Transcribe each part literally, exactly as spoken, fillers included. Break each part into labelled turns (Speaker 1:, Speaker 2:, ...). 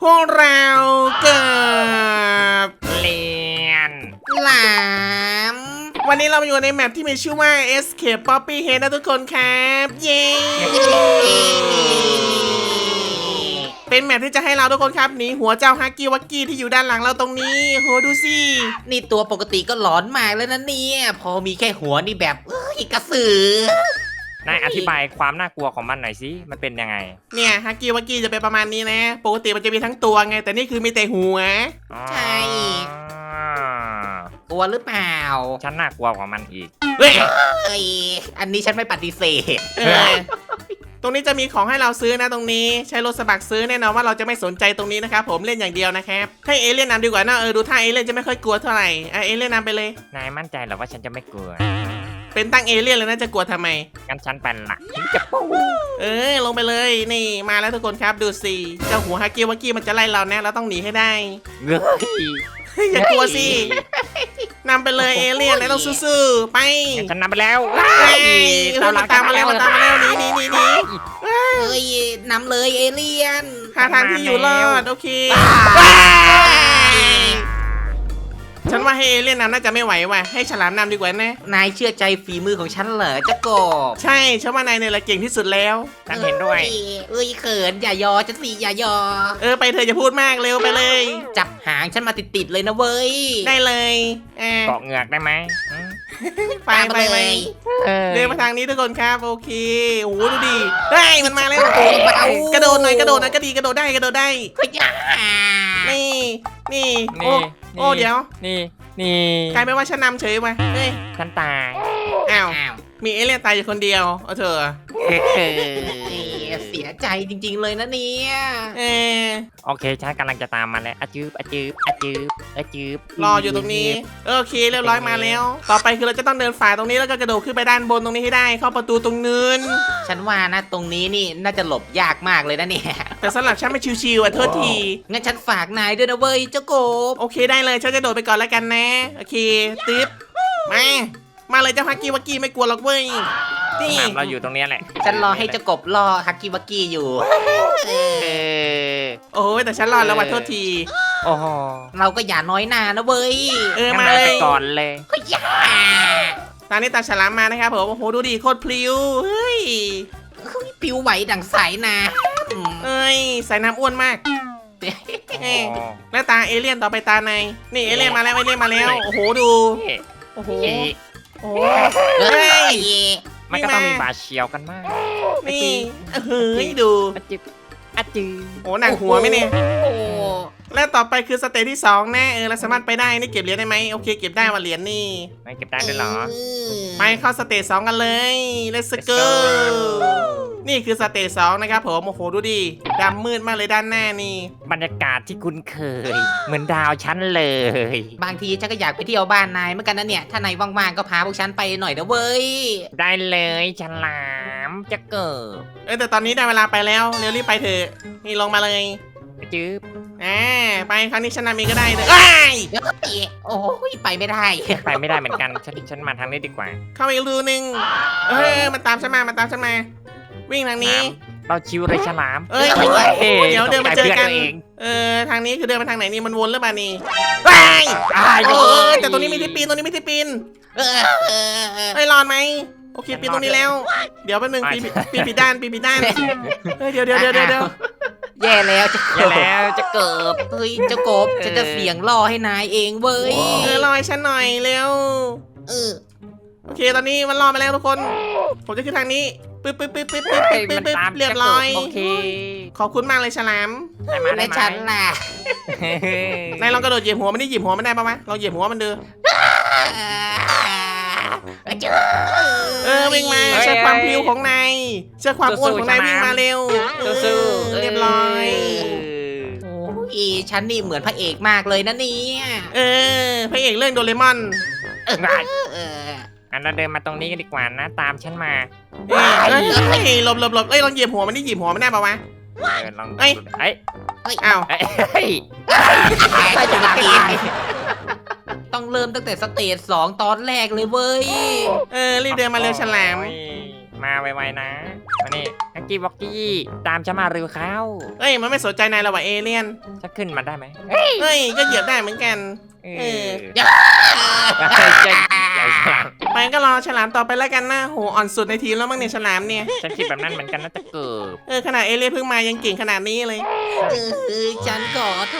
Speaker 1: วกเราเกิด
Speaker 2: เลียน
Speaker 3: หลาม
Speaker 1: วันนี้เราอยู่ในแมปที่มีชื่อว่า Escape Poppy Head นะทุกคนครับเย้เป็นแมปที่จะให้เราทุกคนครับหนีหัวเจ้าฮักกี้วักกี้ที่อยู่ด้านหลังเราตรงนี้โหดูสิ
Speaker 3: นี่ตัวปกติก็หลอนมากแล้วนะเนี่ยพอมีแค่หัวนี่แบบเอ้ยกระสือน
Speaker 2: ายอธิบายความน่ากลัวของมันหน่อยสิมันเป็นยังไง
Speaker 1: เนี่ยฮักกี้วักกี้จะเป็นประมาณนี้นะปกติมันจะมีทั้งตัวไงแต่นี่คือมีแต่หัว
Speaker 3: ใช่กลัวหรือเปล่า
Speaker 2: ฉันน่ากลัวกว่ามันอีก
Speaker 1: เฮ้ย
Speaker 3: เอ้ยอันนี้ฉันไม่ปฏิเสธ
Speaker 1: เออตรงนี้จะมีของให้เราซื้อนะตรงนี้ใช้รถสมัครซื้อแน่นอนว่าเราจะไม่สนใจตรงนี้นะครับผมเล่นอย่างเดียวนะครับให้เอเลี่ยนนำดีกว่านะเออดูท่าเอเลี่ยนจะไม่ค่อยกลัวเท่าไหร่อ่ะเอเลี่ยนนำไปเลย
Speaker 2: นายมั่นใจเหรอว่าฉันจะไม่กลัว
Speaker 1: เป็นตั้งเอเลี่ยนเลยนะจะกลัวทำไม
Speaker 2: งั้นฉันเป็นละจะปู
Speaker 1: เออลงไปเลยนี่มาแล้วทุกคนครับดูสิเจ้าหัวฮักกี้วักกี้มันจะไล่เราแน่เราต้องหนีให้ได้
Speaker 2: เฮ้ย
Speaker 1: อย่ากลัวสินำไปเลยเอเลี่ยนแล้วต้องสู้ๆไป
Speaker 2: งั้นฉันนำไปแล้ว
Speaker 1: เฮ้ยมันตามมาแล้วมันตามมาแล้วหนีหนีหนีหนี
Speaker 3: เอ้ยนำเลยเอเลี่ยน
Speaker 1: หาทางที่อยู่รอดโอเคฉันว่าให้เอเลี่ยนนำน่าจะไม่ไหวว่ะให้ฉลามนำดีกว่านะ
Speaker 3: นายเชื่อใจฝีมือของฉันเหรอเจ้ากบ
Speaker 1: ใช่ฉันว่านายเนี่ยแหละเก่งที่สุดแล้ว
Speaker 2: ฉันเห็นด้วย
Speaker 3: เอ้เอ้ยเขินอย่ายอฉันสิอย่ายอ
Speaker 1: เออไปเธออย่าพูดมากเร็วไปเลย
Speaker 3: จับหางฉันมาติดๆเลยนะเว้ย
Speaker 1: ได้เลยอ่า
Speaker 2: เกาะเหงือกได้ไหมอืม
Speaker 1: ไป
Speaker 3: ตาม
Speaker 1: ไป
Speaker 3: มา
Speaker 1: ไป
Speaker 3: เลย
Speaker 2: เออ
Speaker 1: เดินมาทางนี้ทุกคนครับโอเคโอ้โหดูดิเฮ้ยมันมาแล้ว
Speaker 3: โอ้เบาก
Speaker 1: ระโดดหน่อยกระโดดหน่อยก็ดีกระโดดได้กระโดดได้
Speaker 3: เฮ้ยอ่า
Speaker 1: นี่นี่โอ้
Speaker 2: นี่
Speaker 1: โอ้เดี๋ยว
Speaker 2: นี่นี่
Speaker 1: กลายเป็นว่าฉันนำเฉยว่ะเฮ้ย
Speaker 2: ฉันตาย
Speaker 1: อ้าว
Speaker 3: อ้าว
Speaker 1: มีเอเลี่ยนตายอยู่คนเดียวเอาเถอะ
Speaker 2: เออ
Speaker 3: เอ้ยเสียใจจริงๆเลยนะเนี่ย
Speaker 1: เออ
Speaker 2: โอเคฉันกำลังจะตามมาแล้วอะจืบอะจืบอะจืบอะจืบ
Speaker 1: รออยู่ตรงนี้เออโอเคเรียบร้อยมาแล้ว ต่อไปคือเราจะต้องเดินฝ่าตรงนี้แล้วก็กระโดดขึ้นไปด้านบนตรงนี้ให้ได้เข้าประตูตรงนู้น
Speaker 3: ฉันว่านะตรงนี้นี่น่าจะหลบยากมากเลยนะเนี่ย
Speaker 1: แต่สำหรับฉันไม่ชิวๆอ่ะโทษที
Speaker 3: งั้นฉันฝากนายด้วยนะเว้ยเจ้ากบ
Speaker 1: โอเคได้เลยฉันจะโดดไปก่อนแล้วกันนะโอเคติ๊บมามาเลยเจ้าฮักกี้วักกี้ไม่กลัวหรอกเว้ยนี่
Speaker 2: น้ำเราอยู่ตรงเนี้ยแหละ
Speaker 3: ฉันรอให้เจ้ากบรอฮักกี้วักกี้อยู่
Speaker 2: เออ
Speaker 1: โอ้ยแต่ฉันรอดแล้วว่ะโทษที
Speaker 2: โอ้โห
Speaker 3: เราก็อย่าน้อยหน้านะเว้ย
Speaker 1: เออ
Speaker 2: งั้น
Speaker 1: มา
Speaker 2: นา
Speaker 1: เลย
Speaker 2: ไปก่อนเลย
Speaker 3: เฮ้ยอย่า
Speaker 1: ตอนนี้ตาฉลามมานะครับผมโอ้โหดูดิโคตรพลิ้วเฮ้ย
Speaker 3: เฮ้ยปิวไหวดังสายน้ำ
Speaker 1: เอ้ยสายน้ำอ้วนมากเอ้ยแล้วตาเอเลี่ยนต่อไปตาในนี่เอเลี่ยนมาแล้วเอเลี่ยนมาแล้วโอ้โหดูโอ้โหโอ้โห
Speaker 3: เฮ้
Speaker 1: เฮ้ย
Speaker 3: ย
Speaker 2: มันก็ต้องมีบาดเฉียวกันมาก
Speaker 1: นี่เฮ้ยดู
Speaker 2: อะจืบอะจืบ
Speaker 1: โอ้หนักหัวไหมเนี่ย
Speaker 3: โอ้
Speaker 1: แล้วต่อไปคือสเตจที่สองแน่เออเราสามารถไปได้นี่เก็บเหรียญได้ไหมโอเคเก็บได้ว่าเหรียญนี่
Speaker 2: ไม่เก็บได้ด้วยเหรอ
Speaker 1: ไปเข้าสเตจสองกันเลย let's go นี่คือสเตจสองนะครับผมโอ้โหดูดิดำมืดมากเลยด้านหน้านี่
Speaker 2: บรรยากาศที่คุ้นเคย เหมือนดาวชั้นเลย
Speaker 3: บางทีฉันก็อยากไปเที่ยวบ้านนายเหมือนกันนะเนี่ย ถ้านายว่างๆก็พาพวกฉันไปหน่อยนะเว้ย
Speaker 2: ได้เลยฉลามจะเกิด
Speaker 1: เออแต่ตอนนี้ได้เวลาไปแล้วเร็วรีบไปเถอะนี่ลงมาเลย
Speaker 2: อะจืบ
Speaker 1: อ่าไปครั้งนี้ชนะมีก็ได้เลยเอ้ย
Speaker 3: โอ้ยไปไม่ได้
Speaker 2: ไปไม่ได้เหมือนกันฉันฉันมาทางนี้ดีกว่า
Speaker 1: เข้าไปอีกรูนึงเออมันตามฉันมามันตามฉันมา วิ่งทางนี้
Speaker 2: เราชิวเลยฉลาม
Speaker 1: เอ้ย
Speaker 2: เฮ้ย
Speaker 1: เดี๋ยวเดินมาเจอกัน
Speaker 2: ตใจพื่ตัวเอง
Speaker 1: เออทางนี้คือเดินมาทางไหนนี่มันวนหรือเปล่านี่ไปโอ้ยแต่ตรงนี้มีที่ปีนตรงนี้มีที่ปีน
Speaker 3: เออเออเออ
Speaker 1: เฮ้ยรอดไหมโอเคปีนตรงนี้แล้ว เดี๋ยวแป๊บนึงปีนปีนผิดด้านปีนผิดด้านเฮ้ยเดี๋ยวเดี๋ยวเดี๋ยวเดี๋ยว
Speaker 3: แย่แล้วจะ
Speaker 2: อย่าแล้วจะเกิด
Speaker 3: เฮ้ยเจ้ากบฉันจะเสียงล่อให้นายเองเว้ย
Speaker 1: เออรอให้ฉันหน่อยเร็ว
Speaker 3: เออ
Speaker 1: โอเคตอนนี้มันรอมาแล้วทุกคน ผมจะขึ้นทางนี้ปึ๊บปึ๊บปึ๊บปึ๊บปึ๊บ
Speaker 2: เฮ้ย
Speaker 1: ปึ๊
Speaker 2: มั
Speaker 1: บ
Speaker 2: น
Speaker 1: ปึ๊บ
Speaker 2: ตาม
Speaker 1: เรียบร้อย
Speaker 2: โอเค
Speaker 1: ขอบคุณมากเลยฉลาม
Speaker 2: ได้มาได้
Speaker 3: และ
Speaker 2: มา
Speaker 3: ฉันล่ะ
Speaker 1: นายลองกระโดดเหยียบหัวมันได้เหยียบหัวมันได้ปะวะลองเหยียบหัวมันดูเออวิ่งมาเชื่อความพลิ้วของนายเชื่อความอ้วนของนายวิ่งมาเร็วเออ
Speaker 2: สู้
Speaker 1: เรียบร้อย
Speaker 3: โอ้ยฉันนี่เหมือนพระเอกมากเลยนะเนี่ย
Speaker 1: เออพระเอกเรื่องโดเรมอน
Speaker 3: เออเออ
Speaker 2: อันเราเดินมาตรงนี้กันดีกว่านะ ตามฉันมา
Speaker 1: เอ้ยเอ้ยเอ้ยหลบหลบหลบเอ้ยลองเหยียบหัวมันได้เหยียบหัวมันได้ปะวะ
Speaker 2: เออลอง
Speaker 1: เอ้ย
Speaker 2: เอ้ย
Speaker 1: อ้าว
Speaker 2: เอ้ยเอ้ย
Speaker 3: ใช่จะมาปีนต้องเริ่มตั้งแต่สเตจสองตอนแรกเลยเว้ย
Speaker 1: เออรีบเดินมาเร็วฉลาม
Speaker 2: โอ้ยมาไวๆนะมานี่ฮักกี้วอกกี้ตามฉันมาเร็วเข้า
Speaker 1: เอ้ยมันไม่สนใจนายหรอกว่ะเอเลี่ยน
Speaker 2: จะขึ้นมาได้ไหม
Speaker 1: เอ้ยก็เหยียบได้เหมือนกัน
Speaker 2: เอ
Speaker 1: เอ
Speaker 2: อ
Speaker 1: อ
Speaker 2: ใจใจใจฉลาม
Speaker 1: ไปก็รอฉลามต่อไปแล้วกันนะโหอ่อนสุดในทีมแล้วมั้งเนี่ยฉลามเนี่ย
Speaker 2: ฉันคิดแบบนั้นเหมือนกันนะจะเกิด
Speaker 1: เออขนาดเอเลี่ยนเพิ่งมายังเก่งขนาดนี้เลย
Speaker 3: เออฉันขอโท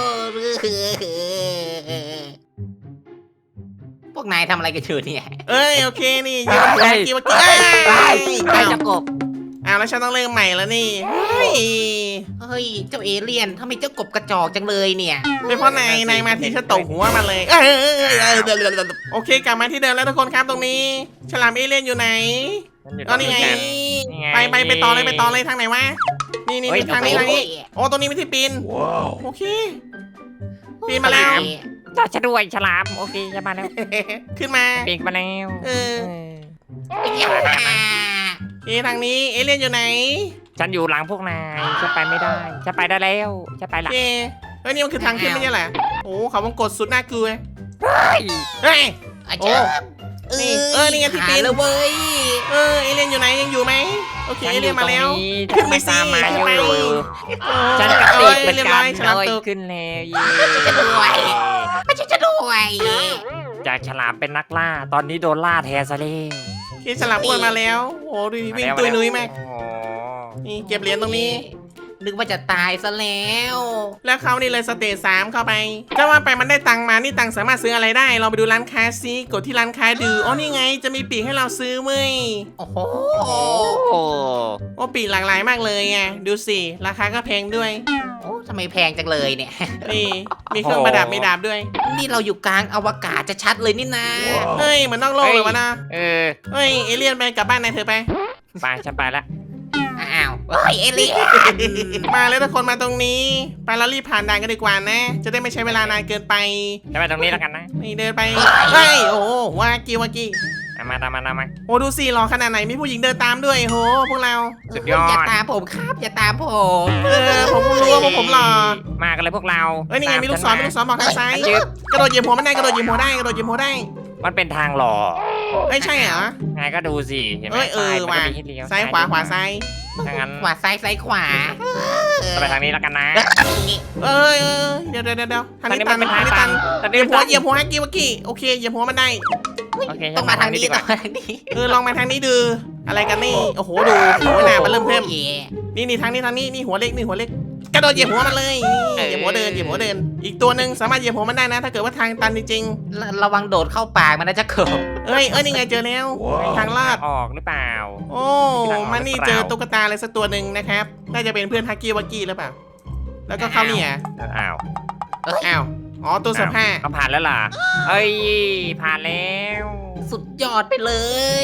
Speaker 3: ษพวกนายทำอะไรกันอยู่เนี่ย
Speaker 1: เอ้ยโอเคนี่ยืนหัวกี้วกี้เอ้ย
Speaker 2: ใครจะกบ
Speaker 1: อ้าวแล้วฉันต้องเริ่มใหม่แล้วนี่เฮ้ย
Speaker 3: เฮ้ยเจ้าเอเลี่ยนทำไมเจ้ากบกระจอกจังเลยเนี่ย
Speaker 1: เป็นเพราะนายนายมาที่ฉันตกหัวมาเลยเอ้ยเอ้ยเอ้ยเอ้ยเดี๋ยวเดี๋ยวเดี๋ยวโอเคกลับมาที่เดิมแล้วทุกคนครับตรงนี้ ฉลามเอเลี่ยนอยู่ไหน
Speaker 2: ฉัอยู่ตร
Speaker 1: อ๋อนี่ไง
Speaker 2: กันนี่ง
Speaker 1: ไปไปไปต่อเลยไปต่อเลยทางไหนวะนี่นี่
Speaker 2: เฮ้ย
Speaker 1: นี่ทางนี้ทางนี้โอ้ตรงนี้ไม่ที่ปีนโอเค ปีนมาแล้ว
Speaker 2: จะฉันด้วยฉลามโอเคจะมาแล้ว
Speaker 1: ขึ้นมา
Speaker 2: ปีกมาแล้ว
Speaker 1: เออ
Speaker 2: เออ
Speaker 1: โอเคทางนี้เอเลี่ยนอยู่ไหน
Speaker 2: ฉันอยู่หลังพวกนายฉันไปไม่ได้ฉันไปได้แล้วฉันไป
Speaker 1: โอ
Speaker 2: ละ
Speaker 1: เคเฮ้ยนี่มันคือทางขึ้นไม่ใช่เหรอโอ้เขาวงกดสุดน่ากลัว
Speaker 2: เฮ้ย
Speaker 1: เฮ้ย
Speaker 3: อา
Speaker 1: โอ้
Speaker 3: จารย์
Speaker 1: นี่เออนี่ไงที่ปีน
Speaker 3: หาแล้วเว้ย
Speaker 1: เออเอเลี่ยนอยู่ไหนยังอยู่ไหมโอเค
Speaker 2: ฉัน
Speaker 1: เอ
Speaker 2: อ
Speaker 1: เลี่ย
Speaker 2: ยู่
Speaker 1: น
Speaker 2: ตร
Speaker 1: มาง แล้ว
Speaker 2: นี้
Speaker 1: ขึ้นไป
Speaker 2: ฉั
Speaker 1: สิ
Speaker 2: ตามมา
Speaker 1: ขึ้นไป
Speaker 2: อยู่
Speaker 1: โอ้
Speaker 2: ฉันกระ
Speaker 1: เอ้
Speaker 2: ติก
Speaker 1: ย
Speaker 2: เป็น
Speaker 1: เรียบ
Speaker 2: กา
Speaker 1: ร้อ
Speaker 2: ร
Speaker 1: ยฉลาม
Speaker 2: เลย
Speaker 1: ตึก
Speaker 2: ขึ้นแล้วเย้
Speaker 3: จะด้วยไม่ใช่จะด้วย
Speaker 2: จากฉลามเป็นนักล่า ตอนนี้โดนล่าแทนซะแล้ว
Speaker 1: โอเคฉลามอ้วนมาแล้วโอ้ดูดิวิ่งตุยนุ้ยมาก
Speaker 2: โอ้
Speaker 1: นี่เก็บเหรียญตรงนี้
Speaker 3: นึกว่าจะตายซะแล้ว
Speaker 1: แล้วเขานี่เลยสเตจสามเข้าไปจะว่าไปมันได้ตังค์มา นี่ตังค์สามารถซื้ออะไรได้ เราไปดูร้านค้าซิกดที่ร้านค้าดูอ๋อนี่ไง จะมีปีกให้เราซื้อเว้ย
Speaker 3: โอ้โห
Speaker 2: โอ้
Speaker 1: โอ้ปีกหลากหลายมากเลยไงดูสิ ราคาก็แพงด้วย
Speaker 3: โอ้ทำไมแพงจังเลยเนี่ย
Speaker 1: นี่ มีเครื่องประดับมีดาบด้วย
Speaker 3: นี่เราอยู่กลางอวกาศจะชัดเลยนี่นะ
Speaker 1: เฮ้ยเหมือนนอกโลกเลยวะนะ
Speaker 2: เออ
Speaker 1: เฮ้ย เอเลี่ยนไปกลับบ้านนายเธอไป
Speaker 2: ไปฉันไปละ
Speaker 3: อ้าวเฮ้ยเอเลี่ยน
Speaker 1: มาเลยทุกคนมาตรงนี้ ไปแล้วรีบผ่านด่านกันดีกว่านะ จะได้ไม่ใช้เวลานานเกินไป
Speaker 2: ฉันไปตรงนี้แล้วกันนะ
Speaker 1: นี่เดินไป เฮ้ย โอ้โหวากิวากิ
Speaker 2: เอามาตามมาตามมา
Speaker 1: โอ้ดูสิรอขนาดไหนมีผู้หญิงเดินตามด้วยโหพวกเรา
Speaker 2: สุดยอด
Speaker 3: อย่าตามผมครับอย่าตามผม
Speaker 1: เออผมเพิ่งรู้ว่าพวกผมหล่อ
Speaker 2: มากันเลยพวกเรา
Speaker 1: เอ้ยนี่ไงมีลูกศรมีลูกศรบอกทางซ้าย
Speaker 2: จึ๊บ
Speaker 1: กระโดดเหยียบหัวมันได้กระโดดเหยียบหัวได้กระโดดเหยียบหัวได้
Speaker 2: มันเป็นทางหล่อ
Speaker 1: เอ้ยใช่เหรอ
Speaker 2: ไงก็ดูสิเห็นไหม
Speaker 1: เอ้ยเออ
Speaker 2: ป้
Speaker 1: ว่ะ
Speaker 2: มันก็มีให้เลี้ยว
Speaker 1: ซ้ายขวาขวาซ้าย
Speaker 2: ถ้างั้น
Speaker 3: ขวาซ้ายซ้ายขวา
Speaker 2: จะไปทางนี้แล้วกันนะ
Speaker 1: เอ้ยเออเดี๋ยวเดี๋ยวเดี๋ยวทางนี้ตัน
Speaker 2: เป็น
Speaker 1: ทาง
Speaker 2: ทาง
Speaker 1: นี้
Speaker 2: ตั
Speaker 1: ตั
Speaker 2: น
Speaker 1: น
Speaker 2: ทาง
Speaker 1: เหยี
Speaker 2: นี้
Speaker 1: ยบหัว
Speaker 2: ตัน
Speaker 1: เหยียบหัวฮักกี้วักกี้โอเคเหยียบหัวมันได้
Speaker 2: โอเค
Speaker 3: ต้องมาทางนี้
Speaker 2: ดีก
Speaker 3: ต้อ
Speaker 2: ว่า
Speaker 3: งมาทางนี้
Speaker 1: เออลองมาทางนี้ดูอะไรกันนี่โอ้โหดูหัวหน้ามันเริ่มเพิ่ม
Speaker 3: โอ้ย
Speaker 1: นี่นี่ทางนี้ทางนี้นี่หัวเล็กนี่หัวเล็กกระโดดเหยียบหัวมันเลยนี่เหยียบหัวเดินเหยียบหัวเดิน อีกตัวหนึ่งสามารถเหยียบหัวมันได้นะ ถ้าเกิดว่าทางตันจริง
Speaker 3: ระระวังโดดเข้าปากมันนะจะเขิบ
Speaker 1: ๆเอ้ยเอ้ยนี่ไงเจอแล้วทางลาด
Speaker 2: ออกหรือเปล่า
Speaker 1: โอ้มันนี่เจอตุ๊กตาอะไรสักตัวหนึ่งนะครับ น่าจะเป็นเพื่อนฮักกี้วักกี้หรือเปล่า แล้วก็เข้าเนี่ย
Speaker 2: อ้าว
Speaker 1: อ้าว อ๋อตัวเสื้อผ้า
Speaker 2: เขาผ่านแล้วล่ะ เอ้ย ผ่านแล้ว
Speaker 3: สุดยอดไปเลย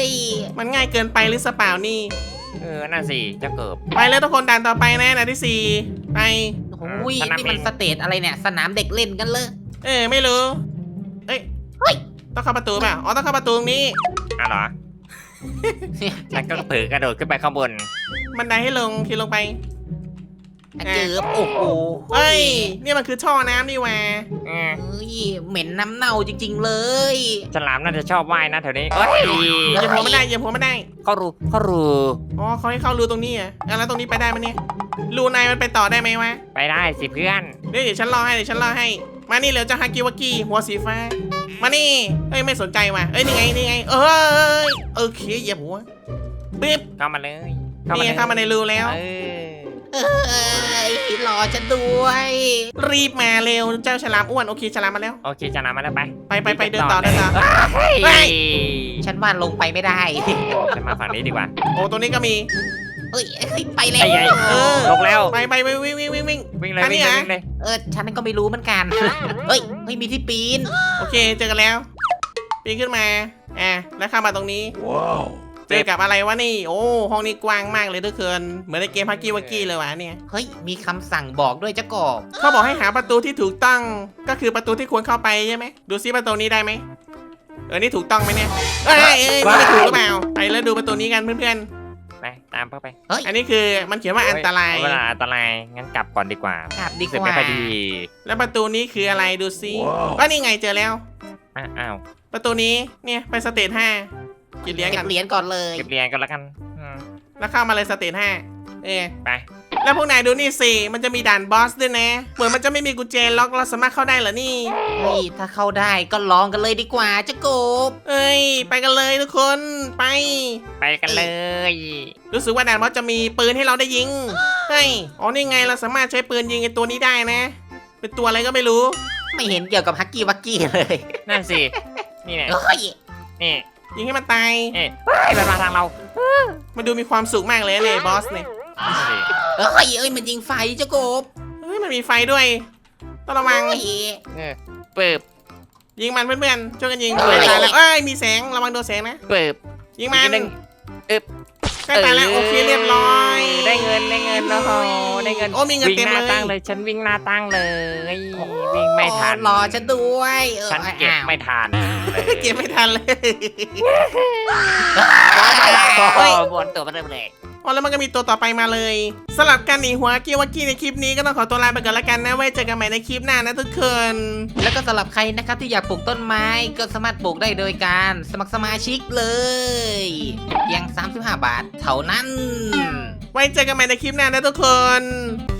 Speaker 1: มันง่ายเกินไปหรือสเปล่านี่
Speaker 2: เออ น่าสิเจะเกิบ
Speaker 1: ไปแล้วทุกคนด่านต่อไปนะด่านที่สี่ไป
Speaker 3: โอ้ย
Speaker 2: สนาม
Speaker 3: นี่มัน
Speaker 2: บิน
Speaker 3: สเตจอะไรเนี่ย สนามเด็กเล่นกันเลย
Speaker 1: เออไม่รู้ เอ้ย
Speaker 3: เฮ้ย
Speaker 1: ต้องเข้าประตูเปล่าอ๋อต้องเข้าประตูตรงนี้
Speaker 2: อ้าวเหรอ ฉันก็เผลอกระโดดขึ้นไปข้างบน
Speaker 1: บันไดให้ลงทีลงไป
Speaker 3: อะเจิบโอ้โห
Speaker 1: เฮ้ยเนี่ยมันคือท่อน้ำนี่แหว
Speaker 2: เออ
Speaker 3: เฮ้ยเหม็นน้ำเน่าจริง ๆ เลย
Speaker 2: ฉลามน่าจะชอบว่ายนะแถวนี้เอ้ย
Speaker 1: เหยียบหัวไม่ได้เหยียบหัวไม่ได้
Speaker 2: เขารู้เขารู้
Speaker 1: อ๋อเขาให้เข้ารูตรงนี้เหรอ่ะแล้วตรงนี้ไปได้ไหมเนี่ยรูในมันไปต่อได้ไหมวะ
Speaker 2: ไปได้สิเพื่อน
Speaker 1: เดี๋ยวเดี๋ยวฉันรอให้เดี๋ยวฉันรอให้ มานี่เร็วเจ้าฮากิวากิหัวสีฟ้า มานี่เอ้ยไม่สนใจว่ะเอ้ยนี่ไงนี่ไง เอ้ยโอเคเหยียบหัวบิ๊บ
Speaker 2: เข้ามาเลย
Speaker 1: นี่ไงเข้ามาในรูแล้ว
Speaker 2: เออ
Speaker 3: เอ้ยรอฉันด้วย
Speaker 1: รีบมาเร็วเจ้าฉลามอ้วนโอเคฉลามมาแล้ว
Speaker 2: โอเคฉลามมาแล้วไป
Speaker 1: ไปไปไปเดินต่อเดินต่อ
Speaker 2: เฮ้ย
Speaker 1: เฮ้ย
Speaker 3: ฉันว่าลงไปไม่ได้
Speaker 2: ฉันมาฝั่งนี้ดีกว่า
Speaker 1: โอ้ตรงนี้ก็มี
Speaker 3: เฮ้ยเฮ้ยไปแล้
Speaker 2: ไอ้
Speaker 3: ว
Speaker 2: ใหญ่
Speaker 1: เออ
Speaker 2: ลงแล้ว
Speaker 1: ไปไปไปวิ่งวิ่งวิ่งวิ่ง
Speaker 2: วิ่งเลย
Speaker 1: อันนี้
Speaker 2: วิ่งเลย
Speaker 1: เหรอ
Speaker 2: วิ่งเลย
Speaker 3: เออฉันก็ไม่รู้เหมือนกัน เฮ้ยเฮ้ยมีที่ปีน
Speaker 1: โอเคเจอกันแล้วปีนขึ้นมาอ่ะแล้วเข้ามาตรงนี้เจอกับอะไรวะนี่ โอ้ห้องนี้กว้างมากเลยทุกคนเหมือนในเกมฮักกี้วักกี้เลยวะเนี่ย
Speaker 3: เฮ้ยมีคำสั่งบอกด้วยเจ้ากบ
Speaker 1: เขาบอกให้หาประตูที่ถูกต้องก็คือประตูที่ควรเข้าไปใช่ไหมดูซิประตูนี้ได้ไหมเออนี่ถูกต้องไหมเนี่ยเอ้ยเอ้ยนี่ไม่ถูกหรือเปล่าไปแล้วดูประตูนี้กันเพื่อน
Speaker 2: ไปตามเข้าไป
Speaker 1: ๆอันนี้คือมันเขียนว่าอันตราย
Speaker 2: เวลาอันตรายงั้นกลับก่อนดีกว่าก
Speaker 3: ลับดี
Speaker 2: รู้สึก
Speaker 3: ก
Speaker 2: ไม่
Speaker 3: ว่า
Speaker 2: ค่อยดี
Speaker 1: แล้วประตูนี้คืออะไรดูซิว่านี่ไงเจอแล้ว
Speaker 2: อ่ะอ้าว
Speaker 1: ประตูนี้เนี่ยไปสเตจห้ากินเลี้ยง
Speaker 3: เก็
Speaker 1: กับ น
Speaker 3: เหรียญก่อนเลย
Speaker 2: เก็บเหรียญกันแล้วกันอืม
Speaker 1: แล้วเข้ามาเลยสเตจห้าเออ
Speaker 2: ไป
Speaker 1: แล้วพวกนายดูนี่สิมันจะมีด่านบอสด้วยนะเหมือนมันจะไม่มีกุญแจล็อกเราสามารถเข้าได้เหรอนี่
Speaker 3: เฮ้ยถ้าเข้าได้ก็ลองกันเลยดีกว่าเจ้ากบ
Speaker 1: เอ้ยไปกันเลยทุกคนไป
Speaker 2: ไปกันเลย
Speaker 1: รู้สึกว่าด่านบอสจะมีปืนให้เราได้ยิงเฮ้ยอ๋อนี่ไงเราสามารถใช้ปืนยิงไอตัวนี้ได้นะ เป็นตัวอะไรก็ไม่รู้
Speaker 3: ไม่เห็นเกี่ยวกับฮักกี้วักกี้เลย
Speaker 2: นั่นสินี่แหละ
Speaker 3: เฮ้ย
Speaker 2: นี่
Speaker 1: ยิงให้มันตาย
Speaker 2: เอ๊ะเฮ้ยมันมาทางเรา
Speaker 1: มันดูมีความสุขมากเลยเนี่ยบอสเนี่ย
Speaker 2: นั่นสิ
Speaker 3: เฮ้ยเอ้ยมันยิงไฟเจ้ากบ
Speaker 1: เฮ้ยมันมีไฟด้วยต้องระวัง
Speaker 3: เฮ้ย
Speaker 2: เออเปิบ
Speaker 1: ยิงมันเพื่อนๆช่วยกันยิง
Speaker 3: เอ้ย
Speaker 1: ใกล้ตายแล้วเอ้ยมีแสงระวังโดนแสงนะ
Speaker 2: เปิบ
Speaker 1: ยิงมัน
Speaker 2: อีกหนึ่งอึบ
Speaker 1: ใกล้ตายแล้วโอเคเรียบร้อย
Speaker 2: ได้เงินได้เงินโอ้โหได้เงิน
Speaker 1: โอ้มีเงิน
Speaker 2: วิ่ง
Speaker 1: เต็ม
Speaker 2: หน้า
Speaker 1: เลย
Speaker 2: ตั้งเลยฉันวิ่งหน้าตั้งเลย วิ่งไม่ทัน
Speaker 3: รอฉันด้วยออ
Speaker 2: ฉันเก็บ
Speaker 3: อ้าว
Speaker 2: ไม่ทันเลย
Speaker 1: เก็บไม่ทันเลย
Speaker 2: โอ้บนตัวมันเริ่มเลย
Speaker 1: อ๋อแล้วมันก็มีตัวต่อไปมาเลยสำหรับการหนีหัวกี้วักกี้ในคลิปนี้ก็ต้องขอตัวลาไปก่อนละกันนะไว้เจอกันใหม่ในคลิปหน้านะทุกคน
Speaker 3: แล้วก็สำหรับใครนะครับที่อยากปลูกต้นไม้ก็สามารถปลูกได้โดยการสมัครสมาชิกเลยเพียงสามสิบห้าบาทเท่านั้น
Speaker 1: ไว้เจอกันใหม่ในคลิปหน้านะทุกคน